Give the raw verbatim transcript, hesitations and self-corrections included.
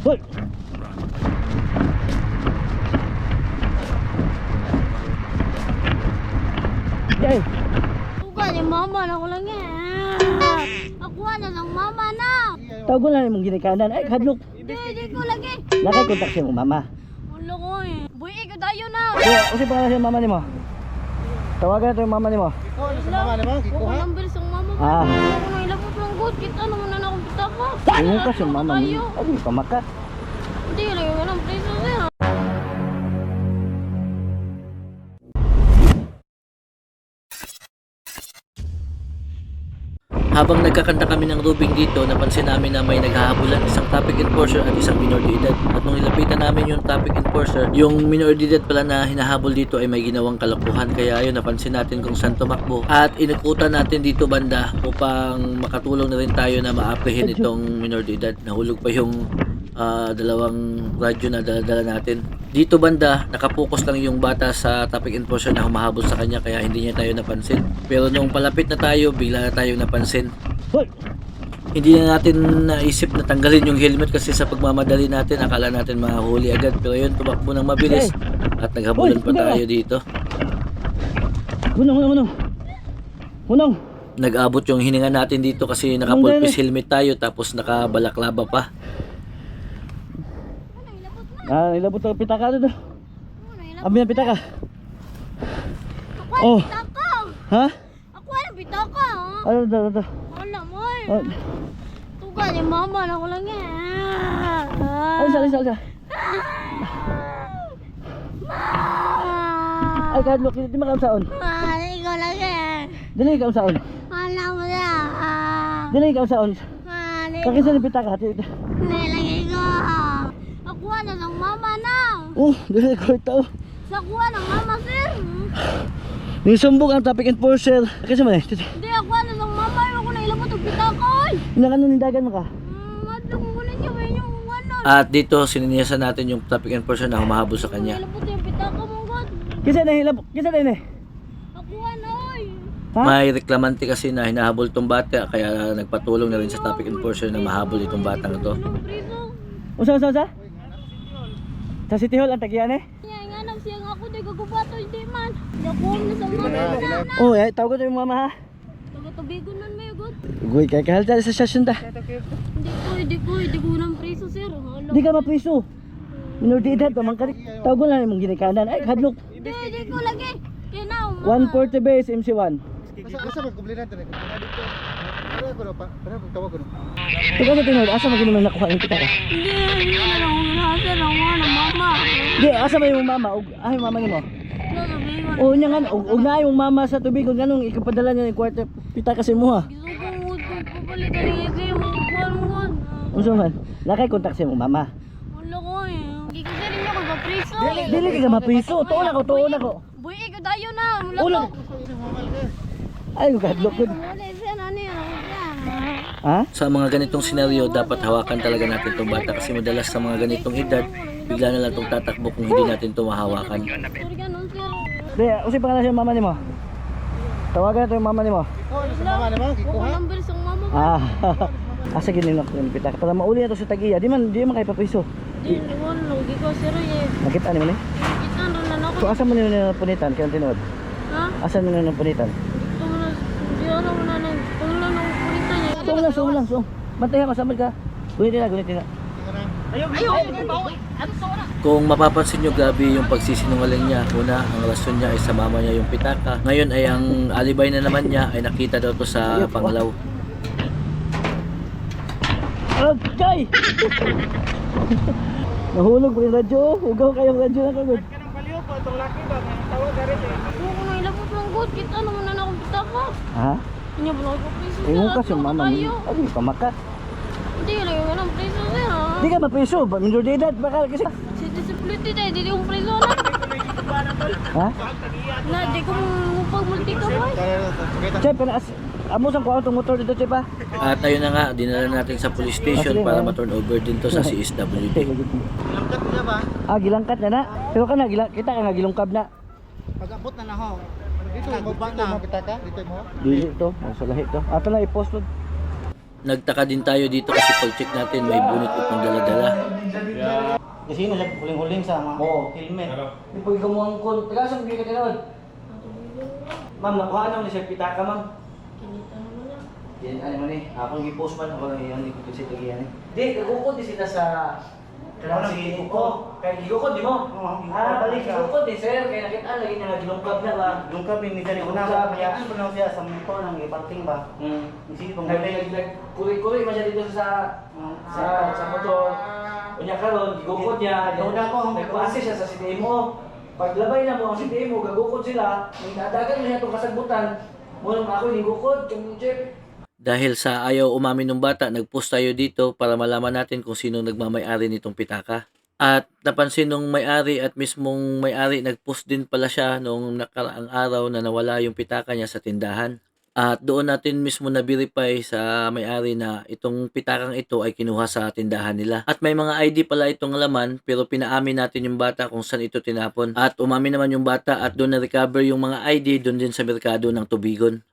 Hoy! Jay! Tuga ni mama na ko lang yan. Ako na ng mama na. Tawag na mong ginikanan. Ay, hadlok. Di, di ko lagi. Nakay kontak siya mong mama. Wala ko eh. Buhi ko tayo na. Kaya, kasi pangalan siya mama ni mo. Tawagan na ito yung mama ni mo. Kiko, ano sa mama naman? Kiko Ako ha? lang bilis ang mama ko. Ah. Ako na ilapot ng good. Kita naman na akong pita ko. Ingon ka siya mama ni. Tayo. Ay, pamaka. Hindi, lagi ko ng preso sir. Habang nagkakanta kami ng rubing dito, napansin namin na may naghahabulan, isang traffic enforcer at isang minor de edad. At nung nilapitan namin yung traffic enforcer, yung minor de edad pala na hinahabol dito ay may ginawang kalokohan. Kaya ayun, napansin natin kung saan tumakbo. At inukutan natin dito banda upang makatulong na rin tayo na ma-apprehend itong minor de edad. Nahulog pa yung uh, dalawang radyo na dala-dala natin. Dito banda, nakapokus lang yung bata sa traffic enforcer na humahabol sa kanya kaya hindi niya tayo napansin. Pero nung palapit na tayo, bigla na tayo napansin. Hoy! Hindi na natin naisip na tanggalin yung helmet kasi sa pagmamadali natin, akala natin mahuli agad. Pero yun, tumakbo ng mabilis at naghabulan pa tayo dito. Hunong, hunong, hunong. Hunong! Nag-abot yung hininga natin dito kasi naka-full-face helmet tayo tapos naka-balaklava pa. Ah, ilabot ang pitaka doon. Abi ang pitaka. Ako Oh. ang pita ko. Ha? Ako ang pita ko. Ano ito, ano ito? Wala mo eh. Oh. Tuga ni mama na ko lang yan. Alisa, alisa, alisa. Ay, kadlok, di makaam saon. Mali ko lang yan. Dili ikaw saon. Wala mo na. Dili ikaw saon. Mali ko. Kakisa ng pitaka. Nilagay ko. Ako na ng mama na. Oh, dili ko ito. Sa kuha ng mama sir. Nisumbog ang traffic enforcer. Kakisa man eh. Hindi ako na ng mama. Ako na ilabot ang pita ko. Inakano nindagan mo ka? Hmm, madlang mo na niya. May yung ano. At dito, sininiyasan natin yung traffic enforcer na humahabol sa kanya. Ilabot yung pita ko mong god. Kisa na hilabok. Kisa na eh. Ako na oy. Ha? May reklamante kasi na hinahabol itong bata kaya nagpatulong na rin sa traffic enforcer na mahabol itong batang ito. Anong priso? Usa, usa, usa? Sa City Hall ang tagiyan eh? Nga nga nang siya nga ako. Di gagubato. Hindi man. Di ako na sa mama na. Oh, eh, tawag ko yung mama ha. Taga-tubigon man may god. Guy, kaya kahal tayo sa stasyon ta. Hindi ko. Hindi ko. Hindi ko nang priso sir. Hala. Di ka mapriso. Minor de edad, pamangkarik. Tawag ko lang mong ginikanan. Ay, hadlok. Hindi. Hindi ko lagi. Kaya na. one forty base, M C one. Basta basta magkublinan tayo. Kublinan dito. Pero ako na pa. Pero ako tawag ko na. Ito ka sa tinod, asa mo ginaman nakuha yung pitaka? Hindi. Hindi na lang. Nasa lang ako ng mama. Di, asa ba yung mama? Og, ah, yung mama niyo mo? Natabigon. O, niya nga, og, og na yung mama sa tubig. Kung ganun, ikapadala niya yung kwarto pitaka kasi mo ha. Gusto ko mo papalitan ng ito yung mga kuwan mo. Unsa man? Nakay kontak sa mong mama. Wala ko eh. Hindi ko sa rin ako ba-priso. Dili ka mapriso. Tuon ako, tuon ako. Buhi ko tayo na. Wala Ulo. ko. Ay, hadlok ko. Wala siya na niya. Ha? Sa mga ganitong senaryo, dapat hawakan talaga natin itong bata kasi madalas sa mga ganitong edad, bigla na lang itong tatakbo kung hindi natin ito mahawakan. Sorry ka nun sir. Di, usi pangalan siya mama ni mo? Tawagan ito yung mama ni mo. Kiko, ano sa mama naman? Kiko Ako ha? lang bilis ang mama ko. Ah, asa gininok yung pitaka. Para mauli na to sa tagiya. Di man, di man kay papriso. Hindi, wala. Hindi ko sir eh. Nakita ni mo ni? Kita rin na ako. So, asa mo nila na punitan? Kaya tinod? Ha? Asa mo nila na punitan? Ito mo na. Hindi ano mo na nang. Pag lang nang kulita niya. So, lang, so, lang, so. Bantayan ko, samad ka. Gunitin na, gunitin na. Tingnan na. Kung mapapansin nyo, grabe yung pagsisinungaling niya. Una, ang rason niya ay sa mama niya yung pitaka. Ngayon ay ang alibay na naman niya ay nakita daw to sa Pangalaw. Okay! Nahulog pa yung radyo. Hugaw kayong radyo na kagod. Kanang baliw po itong laki ba? Tawag garit eh. Ako na ilabot ng good. Kita naman na akong pita ko. Ha? Hindi ba ako priso sir? Ingon ka At siya ako mama tayo. ni. Ay, pamaka. Hindi lang yung anong priso sir ha. Di ka mapriso. Ba, minor de edad. Baka kasi. Si disability tayo. Hindi yung priso na. Ha? Na di ko mupag-multi ka boy. Pakita. Chef, panas. Amo sang kuha itong motor dito, Chef ha? At ayun na nga, dinala natin sa police station para ma-turn over din to sa C S W D. Langkat niya ba? Ah, gilangkat na na. Pero ka na, gilang, kita ka nga gilungkab na. Pag-abot na na ho. Dito mo ba na? Pitaka? Dito mo? Dili to, sa lahi to. Ato na i-post to. Nagtaka din tayo dito kasi pag-check natin may bunot itong dala-dala. Kasi mo siya huling-huling sa mga Oo. helmet. Di pag gamuang kon, taga sa mga tinawad. Ma'am, nakuha naman siya pitaka, ma'am. Kinita naman na. Yan, ano man eh, akong i-post man ako lang yan, ito si Tagiyan eh. Di, kagukod di sila sa... Wala, Kasi, gigukod. oh, kaya gigukod di mo? Oo, gigukod. Ah, balik gigukod di sir, kaya nakita lagi niya nga ginungkab na ba? Yung kape, minsan yung una, Yung kaya kape. ano na siya sa motor nang iparting ba? Hmm. Isip pang Nag- galing. nag- nag- Kuri-kuri man siya dito sa sa sa motor. Kunya karon, gigukod niya. Ikaw na ko. Nagpase siya sa C D M O. Paglabay na mo ang C D M O, gagukod sila. Nang dadagan mo siya itong kasagbutan. Muna ako gigukod, kami Jeff. Dahil sa ayaw umamin ng bata, nagpost tayo dito para malaman natin kung sino nagmamay-ari nitong pitaka. At napansin nung may-ari at mismong may-ari, nagpost din pala siya noong nakaraang araw na nawala yung pitaka niya sa tindahan. At doon natin mismo na-verify sa may-ari na itong pitakang ito ay kinuha sa tindahan nila. At may mga I D pala itong laman, pero pinaamin natin yung bata kung saan ito tinapon. At umamin naman yung bata at doon na-recover yung mga I D doon din sa merkado ng Tubigon.